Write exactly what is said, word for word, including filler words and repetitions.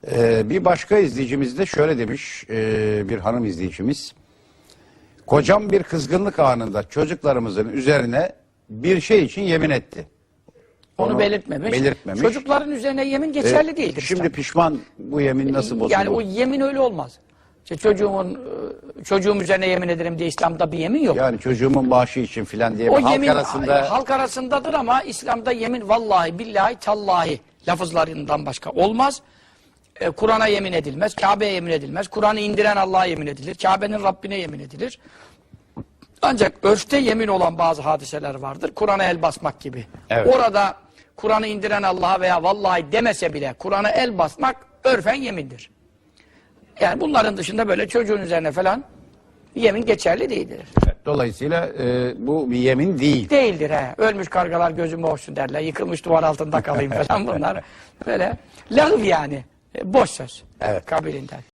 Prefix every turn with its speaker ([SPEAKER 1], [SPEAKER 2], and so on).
[SPEAKER 1] Ee, bir başka izleyicimiz de şöyle demiş, e, bir hanım izleyicimiz. Kocam bir kızgınlık anında çocuklarımızın üzerine bir şey için yemin etti.
[SPEAKER 2] Onu,
[SPEAKER 1] Onu
[SPEAKER 2] belirtmemiş.
[SPEAKER 1] belirtmemiş.
[SPEAKER 2] Çocukların üzerine yemin geçerli
[SPEAKER 1] Ee,
[SPEAKER 2] değildir.
[SPEAKER 1] Şimdi
[SPEAKER 2] tabii.
[SPEAKER 1] pişman, bu yemin nasıl bozuldu?
[SPEAKER 2] Yani o yemin öyle olmaz. İşte çocuğumun çocuğum üzerine yemin ederim diye İslam'da bir yemin yok.
[SPEAKER 1] Yani çocuğumun bağışı için filan diye
[SPEAKER 2] O
[SPEAKER 1] halk
[SPEAKER 2] yemin
[SPEAKER 1] arasında...
[SPEAKER 2] halk arasındadır ama İslam'da yemin vallahi billahi tallahi lafızlarından başka olmaz. Ee, Kur'an'a yemin edilmez, Kabe'ye yemin edilmez. Kur'an'ı indiren Allah'a yemin edilir. Kabe'nin Rabbine yemin edilir. Ancak örfte yemin olan bazı hadiseler vardır. Kur'an'a el basmak gibi.
[SPEAKER 1] Evet.
[SPEAKER 2] Orada Kur'an'ı indiren Allah'a veya vallahi demese bile Kur'an'a el basmak örfen yemindir. Yani bunların dışında böyle çocuğun üzerine falan yemin geçerli değildir.
[SPEAKER 1] Dolayısıyla e, bu bir yemin değil.
[SPEAKER 2] Değildir he. Ölmüş kargalar gözüme hoşsun derler. Yıkılmış duvar altında kalayım falan bunlar. Böyle lağv yani. E, boş söz.
[SPEAKER 1] Evet.
[SPEAKER 2] Kabilinden.